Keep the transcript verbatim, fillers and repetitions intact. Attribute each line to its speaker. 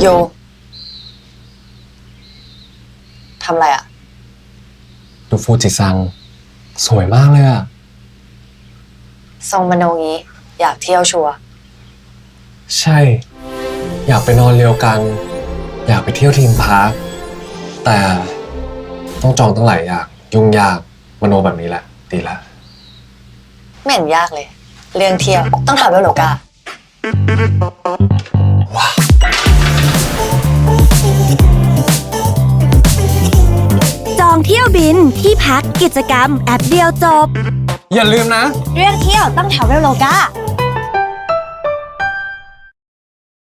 Speaker 1: โยทำอะไรอะ
Speaker 2: ดูฟูจิซังสวยมากเลยอะ
Speaker 1: ทรงมโนงี้อยากเที่ยวชัวร์
Speaker 2: ใช่ อยากไปนอนเรียวกัง อยากไปเที่ยวทีมพาร์คแต่ต้องจองตั้งหลายอย่างยุ่งยากมโนแบบนี้แหละ ดีละ
Speaker 1: ไม่เห็นยากเลย เรื่องเที่ยวต้องทำด้วยโลกา
Speaker 2: ว้า
Speaker 3: จองเที่ยวบินที่พักกิจกรรมแอปเดียวจบ
Speaker 2: อย่าลืมนะ
Speaker 3: เรื่องเที่ยวต้อง Traveloka